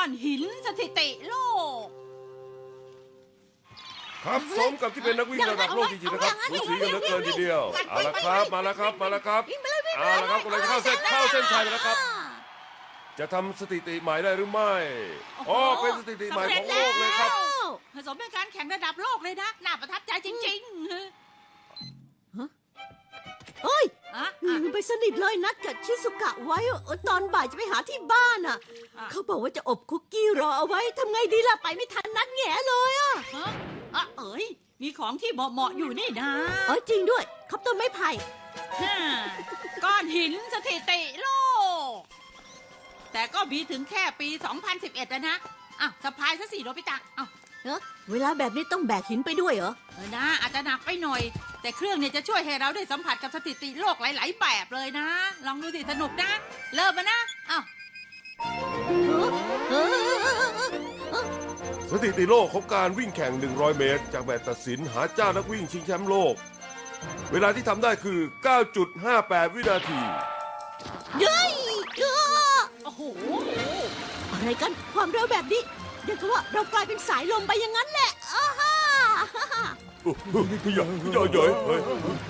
อนหินสถิติโลกครับสมกับที่เป็นนักวิ่งระดับโลกจริงๆนะครับสูสีกันเหลือเกินทีเดียวเอาละครับมาแล้วครับเอาละครับกำลังจะเข้าเส้นชัยแล้วครับจะทำสถิติใหม่ได้หรือไม่อ๋อเป็นสถิติใหม่ของโลกเลยครับผสมเป็นการแข่งระดับโลกเลยนะน่าประทับใจจริงๆเฮ้ยอะลืมไปสนิทเลยนัดกับชิสุกะไว้ตอนบ่ายจะไปหาที่บ้านอ่ะเขาบอกว่าจะอบคุกกี้รอเอาไว้ทำไงดีล่ะไปไม่ทันนัดแง่เลยอ่ะเอ๋ยมีของที่เหมาะๆอยู่นี่นะจริงด้วยครับต้นไม้ไผ่ก้อนหินสถิติโลกแต่ก็มีถึงแค่ปี 2011นะสะพายซะสิโนบิตะเวลาแบบนี้ต้องแบกหินไปด้วยเหรอนะอาจจะหนักไปหน่อยแต่เครื่องเนี่ยจะช่วยให้เราได้สัมผัสกับสถิติโลกหลายๆแบบเลยนะลองดูสิสนุกนะเริ่มมานะสถิติโลกของการวิ่งแข่ง100เมตรจากแบบตัดสินหาเจ้านักวิ่งชิงแชมป์โลกเวลาที่ทำได้คือ 9.58 วินาทีเย้ยโอ้โหอะไรกันความเร็วแบบนี้เดี๋ยวก็ว่าเรากลายเป็นสายลมไปอย่างนั้นแหละอย่าเฮ้ย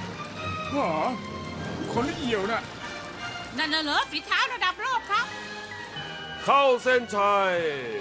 คนเอี่ยวน่ะนั่นเหรอฝีเท้าระดับโลกครับเข้าเส้นชัย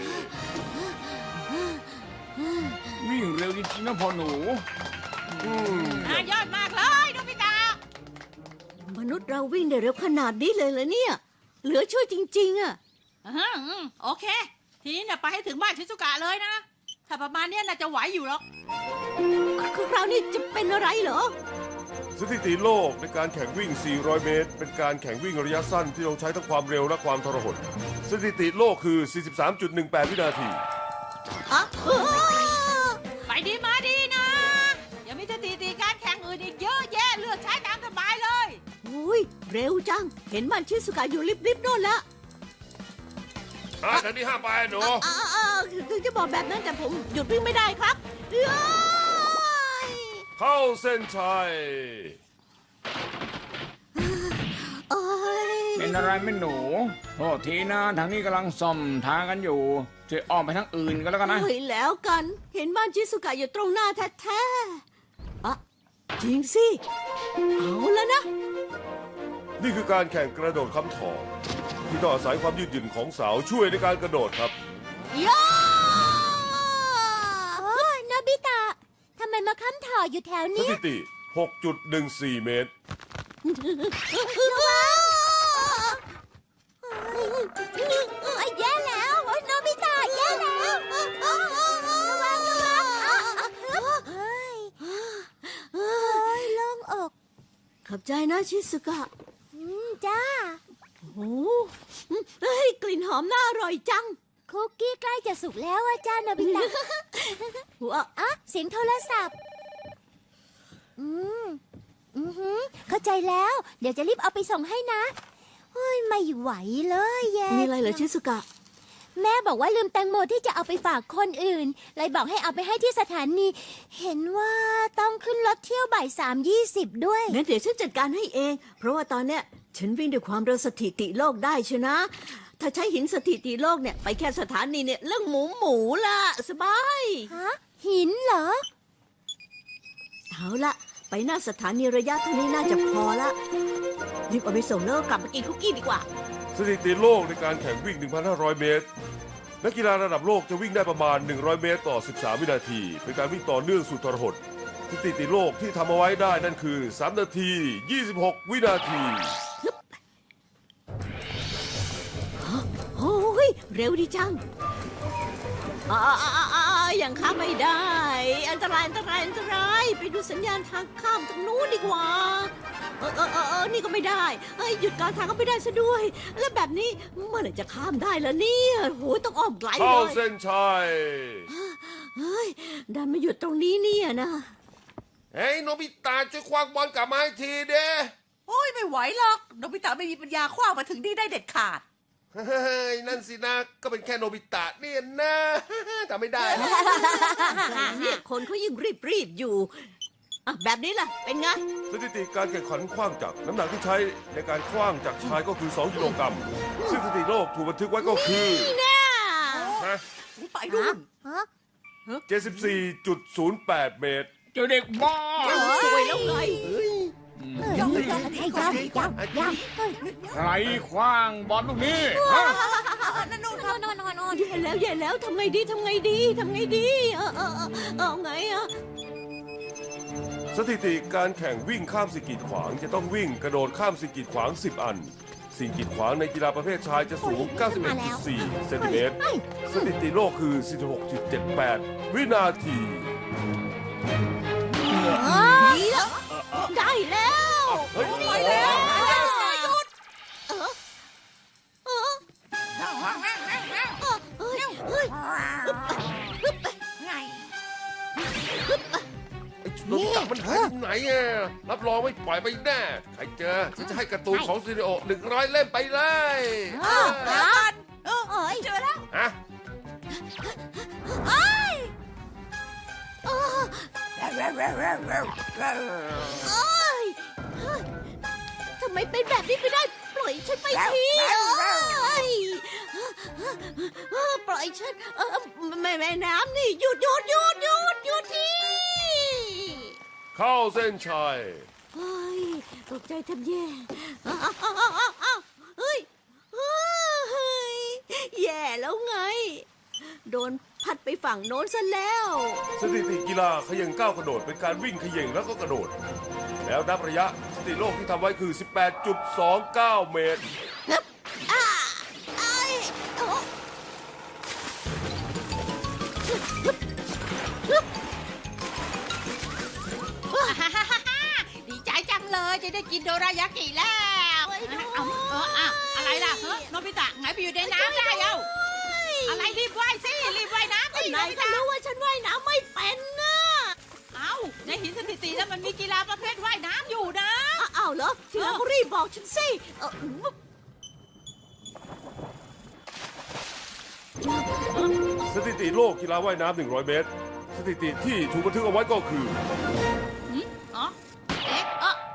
วิ่งเร็วจริงๆนะพ่อหนูยอดมากเลยโนบิตะมนุษย์เราวิ่งได้เร็วขนาดนี้เลยเหรอเนี่ยเหลือช่วยจริงๆอ่ะโอเคทีนี้เนี่ยไปให้ถึงบ้านชิซุกะเลยนะถ้าประมาณนี้น่าจะไหวอยู่หรอกคราวนี้จะเป็นอะไรเหรอสถิติโลกในการแข่งวิ่ง 400 เมตรเป็นการแข่งวิ่งระยะสั้นที่ต้องใช้ทั้งความเร็วและความทรหดสถิติโลกคือ 43.18 วินาทีไปดีมาดีนะอย่ามีสถิติการแข่งอื่นอีกเยอะแยะเลือกใช้ตามสบายเลยเร็วจังเห็นบ้านชิซุกะอยู่ริบๆโน่นละทางนี้ห้ามไปหนูถึงจะบอกแบบนั้นแต่ผมหยุดวิ่งไม่ได้ครับเข้าเส้นชัยเป็นอะไรไม่หนูโทษทีนะทางนี้กำลังซ่อมทางกันอยู่ช่วยอ้อมไปทางอื่นกันแล้วกันนะแล้วกันเห็นบ้านชิซุกะอยู่ตรงหน้าแท้ๆจริงสิเอาแล้วนะนี่คือการแข่งกระโดดค้ำถอที่ต้องอาศัยความยืดหยุ่นของเสาช่วยในการกระโดดครับโนบิตะทำไมมาค้ำถออยู่แถวนี้สถิติ 6.14 เมตรแย่แล้วโนบิตะแย่แล้วระวังโล่งอกขอบใจนะชิสุกะจ้าโอ้กลิ่นหอมน่าอร่อยจังคุกกี้ใกล้จะสุกแล้วอาจารย์โนบิตะเสียงโทรศัพท์เข้าใจแล้วเดี๋ยวจะรีบเอาไปส่งให้นะไม่ไหวเลยแย่มีอะไรเหรอชิสุกะแม่บอกว่าลืมแตงโมที่จะเอาไปฝากคนอื่นเลยบอกให้เอาไปให้ที่สถานีเห็นว่าต้องขึ้นรถเที่ยวบ่าย3:20ด้วยงั้นเดี๋ยวฉันจัดการให้เองเพราะว่าตอนเนี้ยฉันวิ่งด้วยความเร็วสถิติโลกได้ชนะถ้าใช้หินสถิติโลกเนี่ยไปแค่สถานีเนี่ยเรื่องหมูล่ะสบายหินเหรอเอาละไปหน้าสถานีระยะเท่านี้น่าจะพอละรีบเอาไปส่งแล้วกลับมากินคุกกี้ดีกว่าสถิติโลกในการแข่งวิ่ง 1,500 เมตรนักกีฬาระดับโลกจะวิ่งได้ประมาณ100 เมตรต่อ13 วินาทีเป็นการวิ่งต่อเนื่องสุดทรหดสถิติโลกที่ทำเอาไว้ได้นั่นคือ3 นาที 26 วินาทีโอ้ยเร็วดีจังยังข้ามไม่ได้อันตรายไปดูสัญญาณทางข้ามตรงนู้นดีกว่านี่ก็ไม่ได้หยุดกลางทางก็ไม่ได้ซะด้วยแล้วแบบนี้เมื่อไหร่จะข้ามได้ล่ะเนี่ยโหต้องอ้อมไกลเลยเข้าเส้นชัยดันมาหยุดตรงนี้เนี่ยนะเฮ้ยโนบิตะช่วยคว้างบอลกลับมาให้ทีเด้ไม่ไหวหรอกโนบิตะไม่มีปัญญาคว้างมาถึงนี่ได้เด็ดขาดเฮ้ยนั่นสินะก็เป็นแค่โนบิตะเนี่ยนะทำไม่ได้เนี่ยคนเขายิ่งรีบอยู่แบบนี้ล่ะเป็นไงสถิติการแข่งขันขว้างจักรน้ำหนักที่ใช้ในการขว้างจักรชายก็คือ2 กิโลกรัมซึ่งสถิติโลกถูกบันทึกไว้ก็คือฮะไปนู่นฮะ 74.08 เมตรเจ้าเด็กบ้าสวยแล้วไงยังยังยังใครคว้างบอลลูกนี้ฮะนั่นนู่นครับแย่แล้วทำไงดีเอาไงอ่ะสถิติการแข่งวิ่งข้ามสิ่งกีดขวางจะต้องวิ่งกระโดดข้ามสิ่งกีดขวาง 10 อัน สิ่งกีดขวางในกีฬาประเภทชายจะสูง 91.4 เซนติเมตร สถิติโลกคือ 46.78 วินาทีได้แล้วเฮ้ยไปแล้วหยุดโนบิตะมันหายไปไหนอ่ะรับรองไม่ปล่อยไปแน่ ใครเจอฉันจะให้การ์ตูนของซีรีโอ100 เล่มไปเลยแล้วกันเจอแล้วฮะทำไมเป็นแบบนี้ไปได้ ปล่อยฉันไปทีปล่อยฉันแม่น้ำนี่หยุดทีเข้าเส้นชัยเฮ้ยตกใจแทบแย่เฮ้ยแย่แล้วไง โดนพัดไปฝั่งโน้นซะแล้วสถิติกีฬาเขย่งก้าวกระโดดเป็นการวิ่งเขย่งแล้วก็กระโดด แล้วนับระยะสถิติโลกที่ทำไว้คือ 18.29 เมตรดีใจจังเลยจะได้กินโดรายากิแล้วอะไรล่ะโนบิตะไงไปอยู่ในน้ำได้เอ้าอะไรรีบว่ายสิรีบว่ายน้ำสิโนนายบิก็ตะรู้ว่าฉันว่ายน้ำไม่เป็นนะเอ้าในหินสถิติแล้วมันมีกีฬาประเภทว่ายน้ำอยู่นะอ้าวเหรอทีหลังก็รีบบอกฉันสิสถิติโลกกีฬาว่ายน้ำ100 เมตร สถิติที่ถูกบันทึกเอาไว้ก็คืออ๋อเอ๊ะ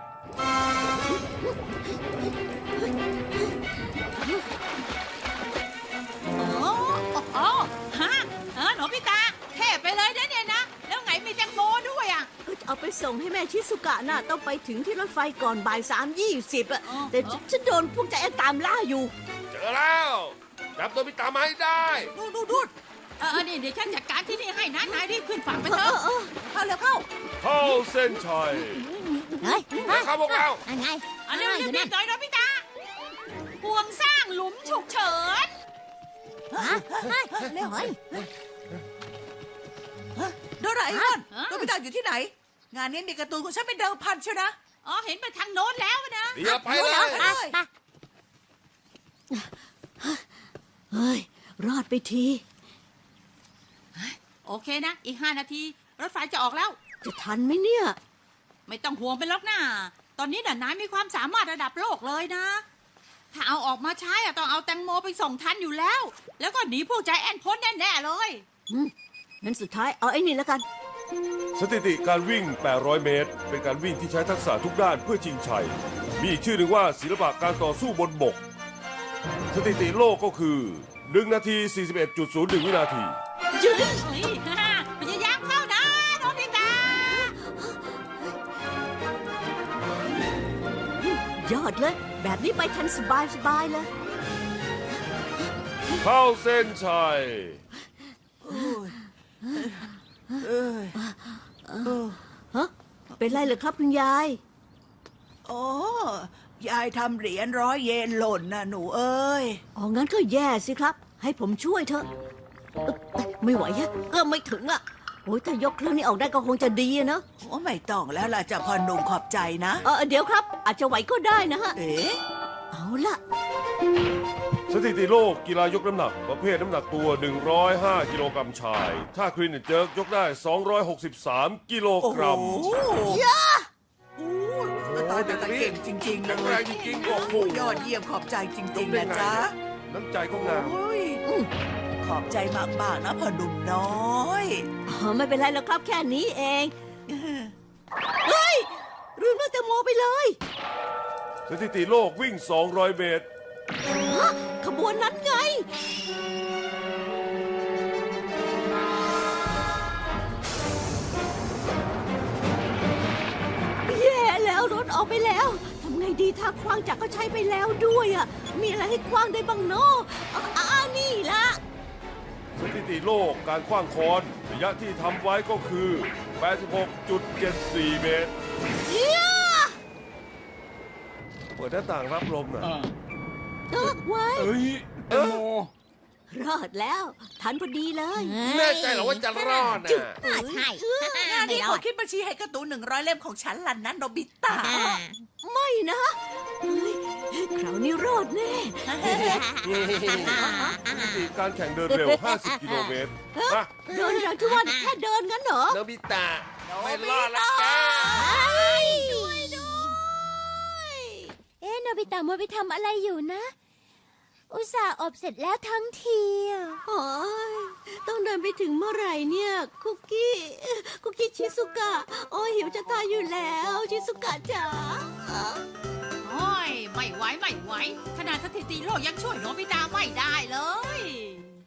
อ๋อฮะโนบิตะเท่ไปเลยนะเนี่ยนะ แล้วไงมีแตงโมด้วยอ่ะเอาไปส่งให้แม่ชิสุกะน่ะต้องไปถึงที่รถไฟก่อนบ่าย3:20อะแต่ฉันโดนพวกใจแอนตามล่าอยู่เจอแล้วจับโนบิตะมาให้ได้นู่นนี่เดี๋ยวฉันจัดการที่นี่ให้นะนายรีบขึ้นฝั่งไปเถเออะอเข้าเร็วเข้าเข้าเส้นชัยเฮ้ยนะครับพวกเราอะไรเร็วๆรีบๆหน่อยโนบิตะห่วงสร้างหลุมฉุกเฉินเร็วเฮ้ยโดราเอมอนโนบิตะอยู่ที่ไหน งานนี้มีการ์ตูนของฉันเป็นเดิมพันเชียวนะอ๋อเห็นไปทางโน้นแล้วนะเดี๋ยวไปเลยเฮ้ย รอดไปทีโอเคนะ อีก5 นาที รถไฟจะออกแล้วจะทันไหมเนี่ยไม่ต้องห่วงไปหรอกนะตอนนี้น่ะนายมีความสามารถระดับโลกเลยนะ ถ้าเอาออกมาใช้อะต้องเอาแตงโมไปส่งทันอยู่แล้ว แล้วก็หนีพวกใจแอนพ้นแน่ๆเลยงั้นสุดท้ายเอาไอ้นี่แล้วกันสถิติการวิ่ง 800 เมตร เป็นการวิ่งที่ใช้ทักษะทุกด้านเพื่อชิงชัย มีอีกชื่อหนึ่งว่าศิลปะการต่อสู้บนบก สถิติโลกก็คือ 1 นาที 41.01 วินาทีจื้อเฮ้ยพยายามเข้านะโนบิตะยอดเลย แบบนี้ไปทันสบายเลยเข้าเส้นชัยฮะ เป็นไรเหรอครับคุณยายโอ้ยายทำเหรียญ100 เยนหล่นนะหนูเอ้ยอ๋อ งั้นก็แย่สิครับ ให้ผมช่วยเถอะไม่ไหวฮะเอื้อมไม่ถึงอ่ะโอ้ยถ้ายกเครื่องนี้ออกได้ก็คงจะดีอะเนอะโอ้ไม่ต้องแล้วล่ะจะพอหนุ่มขอบใจนะเดี๋ยวครับ อาจจะไหวก็ได้นะฮะเอ๊ะเอาล่ะสถิติโลกกีฬายกน้ำหนัก ประเภทน้ำหนักตัว 105 กิโลกรัมชาย ถ้าคลีนเจิร์กยกได้ 263 กิโลโอ้กโหรัมตายแต่เก่งจริงๆเลแข็งแรยงจริงๆโอ้โหยอดเยี่ยมขอบใจจริงๆนะจ๊ะน้ำใจก็งามโอ้ยขอบใจมากๆนะพ่อหนุ่มน้อยไม่เป็นไรหรอกครับแค่นี้เอง เฮ้ยลืมเรื่องแตงโมไปเลยสถิติโลกวิ่ง 200 เมตรขบวนนั้นไงเอาไปแล้วทำไงดีถ้าคว้างจักรก็ใช้ไปแล้วด้วยอ่ะมีอะไรให้คว้างได้บ้างเนาะนี่ละสถิติโลกการขว้างค้อนระยะที่ทำไว้ก็คือ 86.74 เมตร เปิดหน้าต่างรับลมหน่อยไว้เอ้ยแตงโมรอดแล้วทันพอดีเลยแน่ใจเหรอว่าจะรอดนะใช่งานนี้ขอคิดบัญชีให้การ์ตูน100 เล่มของฉันล่ะนะโนบิตะไม่นะเฮ้ยคราวนี้รอดแน่สถิติการแข่งเดินเร็ว 50 กิโลเมตรมาเดินอย่างที่ว่าแค่เดินงั้นเหรอโนบิตะไม่รอดแล้วแกช่วยด้วยเอ๊ะโนบิตะมัวไปทำอะไรอยู่นะ อุตส่าห์อบเสร็จแล้วทั้งทีอะโอ้ยต้องเดินไปถึงเมื่อไหร่เนี่ย คุกกี้ชิสุกะ โอ้ยหิวจะตายอยู่แล้วชิสุกะจ๋าโอ้ยไม่ไหวขนาดสถิติโลกยังช่วยโนบิตะไม่ได้เลย